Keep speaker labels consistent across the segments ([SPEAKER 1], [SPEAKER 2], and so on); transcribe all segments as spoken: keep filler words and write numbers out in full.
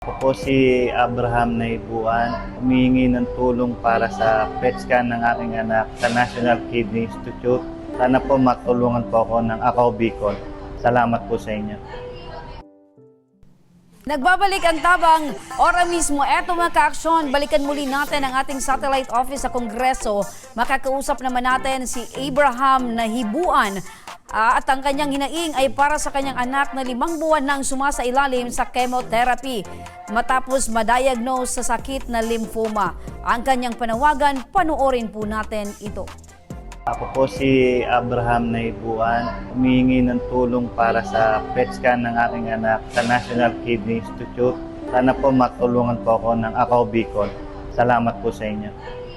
[SPEAKER 1] Ako po si Abraham Naibuan, humihingi ng tulong para sa P E T scan ng aking anak sa National Kidney Institute. Sana po matulungan po ako ng Ako Bicol. Salamat po sa inyo.
[SPEAKER 2] Nagbabalik ang tabang, ora mismo, eto mga ka-aksyon, balikan muli natin ang ating satellite office sa Kongreso. Makakausap naman natin si Abraham Naibuan. Uh, at ang kanyang hinaing ay para sa kanyang anak na limang buwan nang sumasailalim sa chemotherapy matapos madiagnose sa sakit na lymphoma. Ang kanyang panawagan, panoorin po natin ito.
[SPEAKER 1] Ako po si Abraham Naibuan, humihingi ng tulong para sa P E T scan ng aking anak sa National Kidney Institute. Sana po matulungan po ako ng Ako Bicol. Salamat po sa inyo.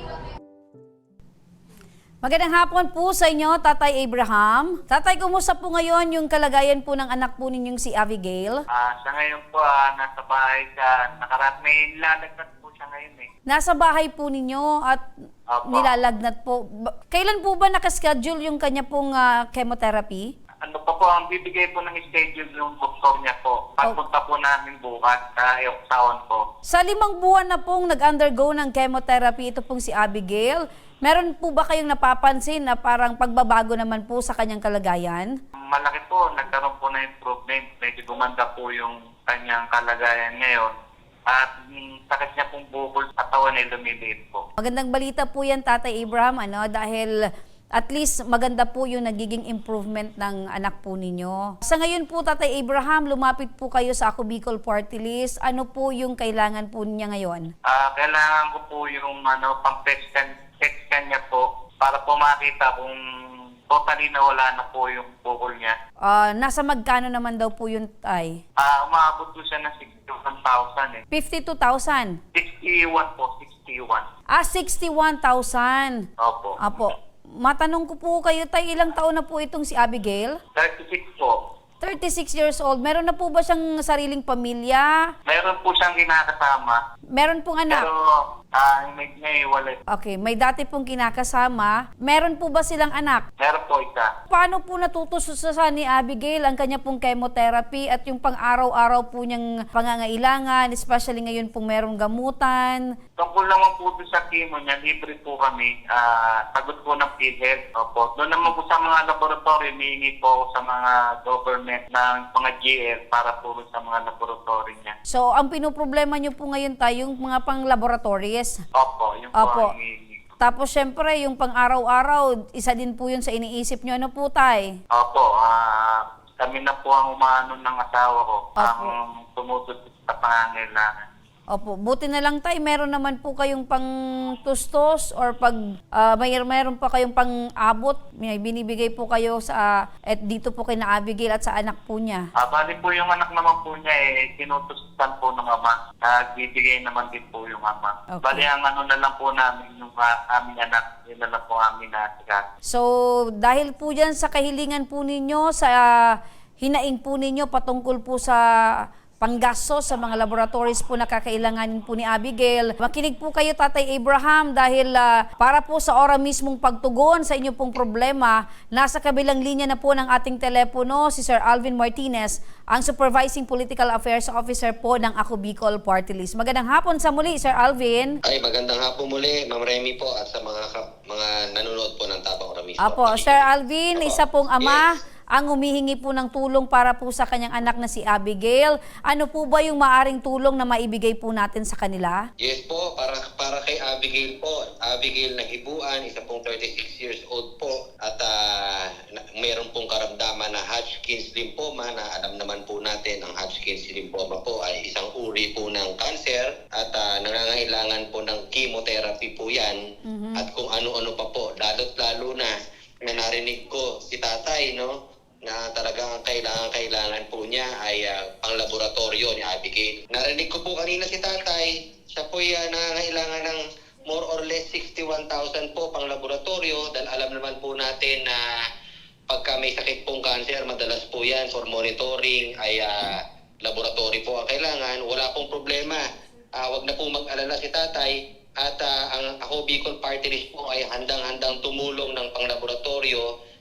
[SPEAKER 2] Magandang hapon po sa inyo, Tatay Abraham. Tatay, kumusta po ngayon yung kalagayan po ng anak po ninyong si Abigail?
[SPEAKER 3] Ah, sa ngayon po, ah, nasa bahay siya. Nakarat, may lalagnas po siya ngayon eh.
[SPEAKER 2] Nasa bahay po ninyo at
[SPEAKER 3] Opo.
[SPEAKER 2] nilalagnat po. Ba- Kailan po ba nakaschedule yung kanya pong ah, chemotherapy?
[SPEAKER 3] Ano pa po, ang bibigay po ng schedule yung doktor niya po. Pagpunta po namin bukas sa iyong taon po.
[SPEAKER 2] Sa limang buwan na pong nag-undergo ng chemotherapy, ito pong si Abigail, meron po ba kayong napapansin na parang pagbabago naman po sa kanyang kalagayan?
[SPEAKER 3] Malaki po, nagkaroon po na improvement. Medyo gumanda po yung kanyang kalagayan ngayon. At yung sakit niya pong bukol sa katawan ay lumiliit po.
[SPEAKER 2] Magandang balita po yan, Tatay Abraham, ano, dahil at least maganda po yung nagiging improvement ng anak po ninyo. Sa ngayon po, Tatay Abraham, lumapit po kayo sa Ako Bicol Party List. Ano po yung kailangan po niya ngayon?
[SPEAKER 3] Ah, kailangan ko po yung ano, pang-P E T scan, P E T scan niya po para po makita kung totally nawala na po yung bukol niya.
[SPEAKER 2] Ah, nasa magkano naman daw po yung tay?
[SPEAKER 3] Ah, umabot po siya ng sixty-one thousand eh.
[SPEAKER 2] fifty-two thousand.
[SPEAKER 3] sixty-one po, sixty-one.
[SPEAKER 2] Ah, sixty-one thousand.
[SPEAKER 3] Opo.
[SPEAKER 2] Apo. Matanong ko po kayo, tay, ilang taon na po itong si Abigail?
[SPEAKER 3] thirty-six po.
[SPEAKER 2] thirty-six years old. Meron na po ba siyang sariling pamilya?
[SPEAKER 3] Meron po siyang kinakasama.
[SPEAKER 2] Meron pong anak?
[SPEAKER 3] Pero ah, may naiwalay.
[SPEAKER 2] Okay, may dati pong kinakasama. Meron po ba silang anak?
[SPEAKER 3] Meron po isa.
[SPEAKER 2] Paano po natutususan ni Abigail ang kanya pong chemotherapy at yung pang-araw-araw po niyang pangangailangan, especially ngayon pong merong gamutan?
[SPEAKER 3] Tungkol naman po doon sa chemo niya, libre po kami. Ah, sagot po ng PhilHealth. Opo. Doon naman po sa mga laboratory, humihingi po ako sa mga government ng mga G L para po sa mga laboratory niya.
[SPEAKER 2] So, ang pinoproblema niyo po ngayon tayo, yung mga pang-laboratories.
[SPEAKER 3] Opo, yung po
[SPEAKER 2] Opo.
[SPEAKER 3] ang humihingi.
[SPEAKER 2] Tapos, syempre, yung pang-araw-araw, isa din po yun sa iniisip niyo. Ano po, tay?
[SPEAKER 3] Opo, ah, kami na po ang umano ng asawa ko.
[SPEAKER 2] Opo.
[SPEAKER 3] Ang tumututok sa pangangailangan.
[SPEAKER 2] Opo, buti na lang tay, meron naman po kayong pang tustos or pag ah, may meron pa kayong pang abot, may binibigay po kayo sa at dito po kay na Abigail at sa anak po niya.
[SPEAKER 3] Ah, bali po yung anak naman po niya eh, tinutustusan po ng ama. Nagbibigay naman din po yung ama.
[SPEAKER 2] Okay.
[SPEAKER 3] Bali ang ano na lang po namin, yung uh, aming anak, yun na lang po aming nasikat.
[SPEAKER 2] So, dahil po dyan sa kahilingan po ninyo, sa ah, hinaing po ninyo patungkol po sa panggastos sa mga laboratories po na kakailanganin po ni Abigail. Makinig po kayo, Tatay Abraham, dahil ah, para po sa ora mismong pagtugon sa inyo pong problema, nasa kabilang linya na po ng ating telepono si Sir Alvin Martinez, ang Supervising Political Affairs Officer po ng Ako Bicol Party List. Magandang hapon sa muli, Sir Alvin.
[SPEAKER 4] Ay, magandang hapon muli, Ma'am Remy po at sa mga kap- mga nanonood po ng Tabang Oramis.
[SPEAKER 2] Apo, Sir Alvin,
[SPEAKER 4] Apo.
[SPEAKER 2] isa pong ama,
[SPEAKER 4] Yes.
[SPEAKER 2] ang humihingi po ng tulong para po sa kanyang anak na si Abigail. Ano po ba yung maaring tulong na maibigay po natin sa kanila?
[SPEAKER 4] Yes po, para para kay Abigail po. Abigail Naibuan, isa pong thirty-six years old po at uh, mayroon pong karamdaman na Hodgkin's lymphoma na alam naman po natin ang Hodgkin's lymphoma po ay isang uri po ng cancer at uh, nangangailangan po ng chemotherapy po yan
[SPEAKER 2] Mhm.
[SPEAKER 4] at kung ano-ano pa po. Lalo't lalo na na narinig ko si tatay, no? Na talagang ang kailangan-kailangan po niya ay uh, pang-laboratorio ni Abigail. Narinig ko po kanina si tatay, siya po ay uh, nangangailangan ng more or less sixty-one thousand po pang-laboratorio dahil alam naman po natin na pagka may sakit pong cancer, madalas po yan for monitoring ay uh, laboratory po ang kailangan. Wala pong problema. Uh, wag na po mag-alala si tatay at uh, ang Ako Bicol Party List po ay handang-handang tumulong ng pang-laboratorio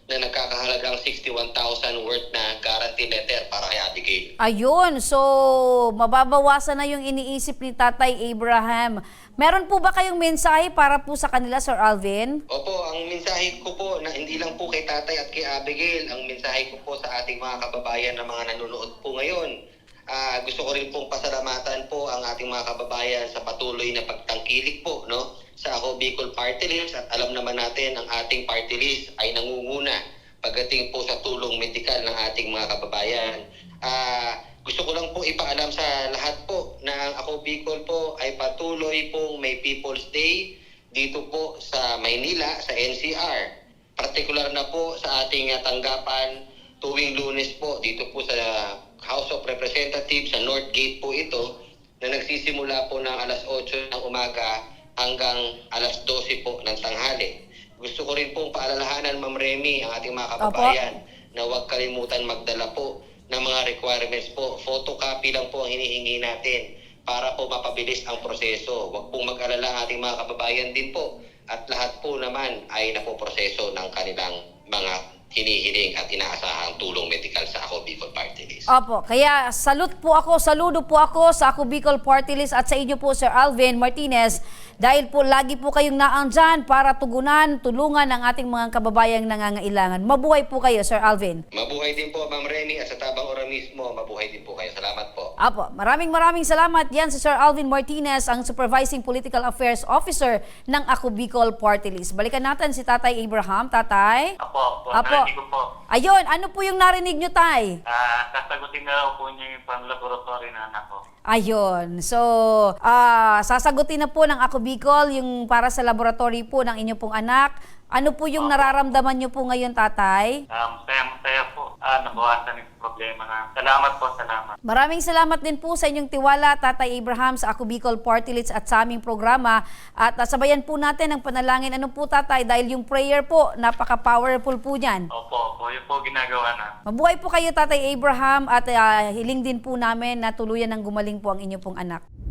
[SPEAKER 4] na nagkakahalagang sixty-one thousand worth na guarantee letter para kay Abigail.
[SPEAKER 2] Ayun, so mababawasan na yung iniisip ni Tatay Abraham. Meron po ba kayong mensahe para po sa kanila, Sir Alvin?
[SPEAKER 4] Opo, ang mensahe ko po na hindi lang po kay tatay at kay Abigail, ang mensahe ko po sa ating mga kababayan na mga nanonood po ngayon. Ah, gusto ko rin pong pasalamatan po ang ating mga kababayan sa patuloy na pagtangkilik po, no, sa Ako Bicol Party List, at alam naman natin ang ating party list ay nangunguna pagdating po sa tulong medikal ng ating mga kababayan. Ah, gusto ko lang po ipaalam sa lahat po na ang Ako Bicol po ay patuloy pong may People's Day dito po sa Maynila, sa N C R. Partikular na po sa ating ah, tanggapan tuwing Lunes po dito po sa House of Representatives sa North Gate po ito, na nagsisimula po ng alas otso ng umaga hanggang alas dose po ng tanghali. Gusto ko rin pong paalalahanan, Ma'am Remy, ang ating mga kababayan na huwag kalimutan magdala po ng mga requirements po. Photocopy lang po ang hinihingi natin para po mapabilis ang proseso. Huwag pong mag-alala ang ating mga kababayan din po, at lahat po naman ay napoproseso ng kanilang mga hinihiling at inaasahang tulong medikal sa Ako Bicol Party List.
[SPEAKER 2] Opo, kaya salute po ako, saludo po ako sa Ako Bicol Party List at sa inyo po, Sir Alvin Martinez, dahil po lagi po kayong naandyan para tugunan, tulungan ang ating mga kababayang nangangailangan. Mabuhay po kayo, Sir Alvin.
[SPEAKER 4] Mabuhay din po, Ma'am Remy, at sa tabang oras mismo, mabuhay din po kayo. Salamat po.
[SPEAKER 2] Apo, maraming maraming salamat. Yan si Sir Alvin Martinez, ang Supervising Political Affairs Officer ng Ako Bicol Party List. Balikan natin si Tatay Abraham. Tatay?
[SPEAKER 3] Apo, po,
[SPEAKER 2] Apo.
[SPEAKER 3] narinig ko po.
[SPEAKER 2] Ayun, ano po yung narinig nyo, Tay?
[SPEAKER 3] Ah, sasagutin na raw po niya yung pang-laboratory na anak ko.
[SPEAKER 2] Ayun. So, ah sasagutin na po ng Ako Bicol yung para sa laboratory po ng inyo pong anak. Ano po yung nararamdaman nyo po ngayon, Tatay?
[SPEAKER 3] Um, masaya-masaya po. Ah, nabawasan yung problema na. Salamat po, salamat.
[SPEAKER 2] Maraming salamat din po sa inyong tiwala, Tatay Abraham, sa Ako Bicol Party List at sa aming programa. At uh, sabayan po natin ang panalangin. Ano po, Tatay? Dahil yung prayer po, napaka-powerful po niyan.
[SPEAKER 3] Opo, opo. Yun po ginagawa na.
[SPEAKER 2] Mabuhay po kayo, Tatay Abraham, at uh, hiling din po namin na tuluyan ng gumaling po ang inyo pong anak.